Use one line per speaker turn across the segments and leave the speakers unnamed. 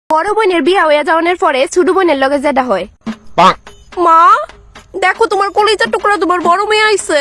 বড় বোনের বিয়া হয়ে যাওয়ার পরে ছোট বোনের লগে যেটা হয়। মা দেখো তোমার কলিজার টুকরা তোমার বড় মেয়ে আইছে।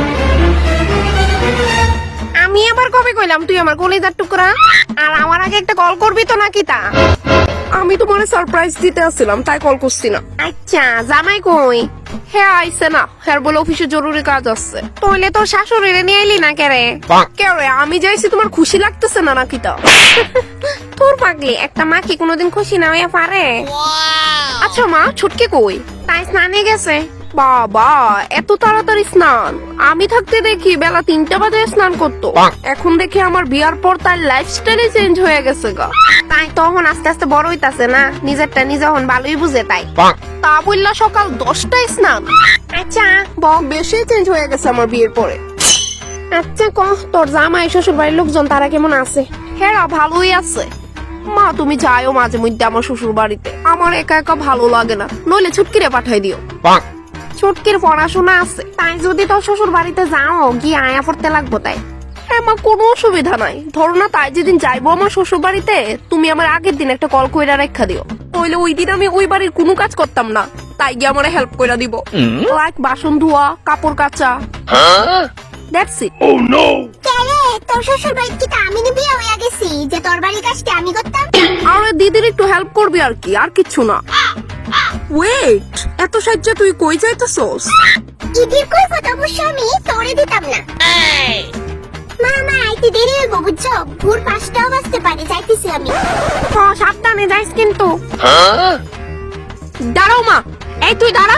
আমি আবার কবে কইলাম তুই আমার কলিজার টুকরা? আর আমার আগে একটা কল করবি তো নাকি তা? আমি তোমার সারপ্রাইজ দিতে আসছিলাম তাই কল করছি না। আচ্ছা জামাই কই? হ্যাঁ আইছে না, হ্যাঁ বলে অফিসে জরুরি কাজ আছে। তাহলে তোর শাশুড়িরে নিয়ে এলি না কেরে? কেরে আমি যাইছি তোমার খুশি লাগতেছে না নাকি তা? তোর পাগলি একটা মা কি কোনোদিন খুশি না হইয়া পারে? আচ্ছা মা ছুটকে কই? তাই স্নানে গেছে। বাবা এত তাড়াতাড়ি স্নান? আমি থাকতে দেখি বেলা 3টা বাজে স্নান করতো, এখন দেখি আমার বিয়ার পর তার লাইফস্টাইলে চেঞ্জ হয়ে গেছে গা। তাই তখন আস্তে আস্তে বড় হইতাছে না, নিজেরটা নিজে এখন ভালোই বুঝে তাই। তা বললা সকাল 10টায় স্নান? আচ্ছা বেশি চেঞ্জ হয়ে গেছে আমার বিয়ের পরে। আচ্ছা কহ তোর জামাই শ্বশুর বাড়ির লোকজন তারা কেমন আছে? হ্যাঁ ভালোই আছে। মা তুমি যাইও মাঝে মধ্যে আমার শ্বশুর বাড়িতে, আমার একা একা ভালো লাগে না, নইলে ছুটকিরে পাঠাই দিও। ছুটকির পড়াশোনা আছে, তাই যদি তোর শ্বশুর বাড়িতে যাও গিয়ে আয়া পড়তে লাগবো তাই। হ্যাঁ মা কোনো অসুবিধা নাই, ধরো না তাই যেদিন যাইবো আমার শ্বশুর বাড়িতে তুমি আমার আগের দিন একটা কল কইরা রেখা দিও, তাইলে ওই দিন আমি ওই বাড়ির কোনো কাজ করতাম না, তাই গিয়ে আমার হেল্প কইরা দিব, লাইক বাসন ধোয়া কাপড় কাচা। That's it. ও নো
কেরে তোর শ্বশুর বাড়ি কি আমি বিয়ে হয়ে গেছি যে তোর বাড়ির কাজটা আমি করতাম?
আরে দিদির একটু হেল্প করবি আর কি, আর কিচ্ছু না। ওয়েট এত সাহায্য তুই কই যাইতেছস?
ইদির কই কথা অবশ্য আমি তোরে দিতাম না। মামা আইতে দেরি হইব বুঝছো, ভোর 5টাও বাজতে পারে, যাইতেছি আমি।
হ্যাঁ সাবধানে যাইস কিন্তু। দাঁড়াও মা, এই তুই দাঁড়া।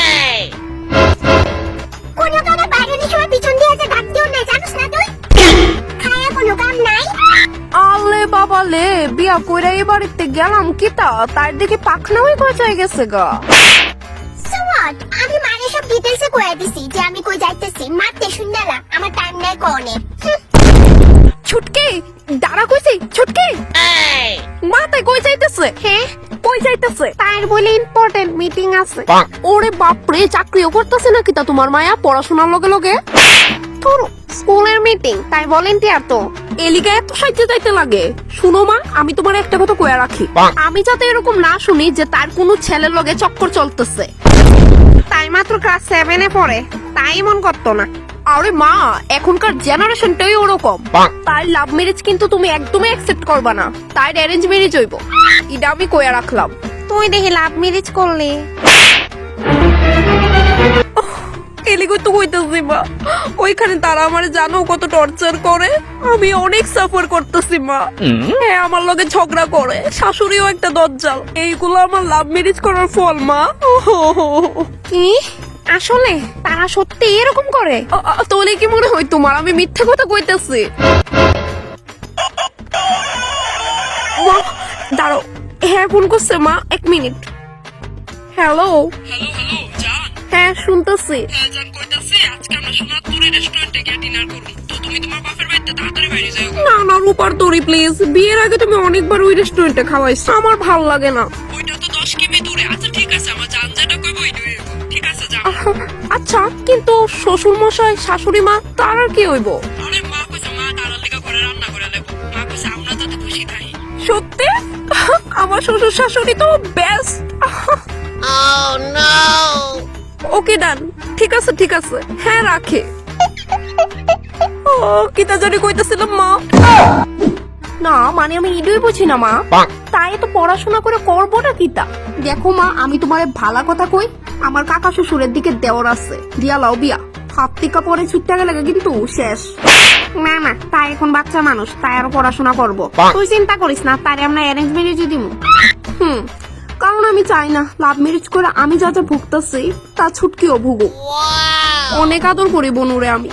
কোনো কারণে বাইরের সময় পিছন দিয়ে যে ডাক দিও না, জানোস না তুই? খায়া কোনো কাম নাই।
আলে বাবা লে, বিয়া কইরা এই বাড়িতে গেলাম কি তা, তার দেখি পাখনা হয়ে গজায় গেছে গা।
সুয়াট আমি মানে সব ডিটেইলসে কইয়া দিছি যে আমি কই যাইতেছি, মারতে শুননা না, আমার টাইম নাই কোনে।
ছুটকি দাঁড়া কইছি, ছুটকি মাথায় কই যাইতেছে? হ্যাঁ কই যাইতেছে? তার বলে ইম্পর্টেন্ট মিটিং আছে। ওরে বাপরে চাকরিও করতেছে নাকি তা তোমার মায়া পড়াশোনার লগে লগে? তোর স্কুলের মিটিং তাই ভলেন্টিয়ার তো, এলিকা এত সাহায্য যাইতে লাগে। শুনো মা আমি তোমার একটা কথা কইয়া রাখি, আমি যাতে এরকম না শুনি যে তার কোনো ছেলের লগে চক্কর চলতেছে। তাই মাত্র ক্লাস 7-এ পড়ে, তাই মন করতো না। আরে মা এখনকার জেনারেশনটাই ওরকম, তাই লাভ ম্যারেজ কিন্তু তুমি একদমই অ্যাকসেপ্ট করবা না, তাই অ্যারেঞ্জ ম্যারেজ হইব, এটা আমি কইয়া রাখলাম। তুই দেখি লাভ ম্যারেজ করলি এলিগো তো কইতেছি মা, ওইখানে তারা আমার জানো কত টর্চার করে, আমি অনেক সাফার করতেছি মা। হ্যাঁ আমার লগে ঝগড়া করে, শাশুড়িও একটা দজ্জাল, এইগুলো আমার লাভ ম্যারেজ করার ফল মা। কি আসলে তারা সত্যি এরকম করে? তাহলে কি মনে হয় তোমার আমি মিথ্যে কথা কইতেছি? দাঁড়াও, হ্যাঁ ফোন করছে মা, 1 মিনিট। হ্যালো হ্যাঁ শুনতেছি। না না রূপার তরি প্লিজ, বিয়ের আগে তুমি অনেকবার ওই রেস্টুরেন্টে খাওয়াইছো, আমার ভাল লাগে না। আচ্ছা কিন্তু শ্বশুর মশাই শাশুড়ি মা তার আর কি হইব? সত্যি আমার শ্বশুর শাশুড়ি তো বেস্ট। ওকে ডান, ঠিক আছে ঠিক আছে, হ্যাঁ রাখে। ও কিতা জানি কইতাছিলাম মা। না মানে আমি ইডুই বুঝি না মা, তাই তো পড়াশোনা করে করবোটা কিতা? দেখো মা আমি তোমার ভালা কথা কই, আমার কাকা শ্বশুরের দিকে দেওয়ার আছে, দিয়া লাও বিয়া, হাত টিকা পরে ছুটতে গেলে কিন্তু শেষ। না না তাই এখন বাচ্চা মানুষ, তাই আরো পড়াশোনা করবো, তুই চিন্তা করিস না, তাই আমরা অ্যারেঞ্জ ম্যারেজ দিব। কারণ আমি চাই না লাভ ম্যারেজ করে আমি যা যা ভুগতেছি তা ছুটকিও ভুগো। অনেক আদর করি বনুরে আমি।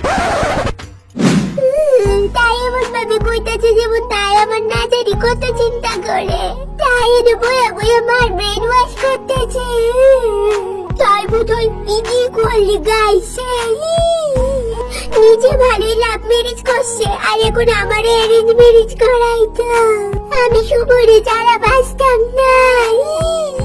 তাই এমন ভাবে কইতাছে যেমন তাই আমার না জানি কত চিন্তা করে, তাই এনে বইয়া বইয়া আমার ব্রেন ওয়াশ করতেছে। তাই বোধহয় ইদি করলি গাইছে, নিজে ভালোই লাভ ম্যারেজ করছে, আর এখন আমার অ্যারেঞ্জ ম্যারেজ করাইতো, আমি শুভরে যারা বাঁচতাম না।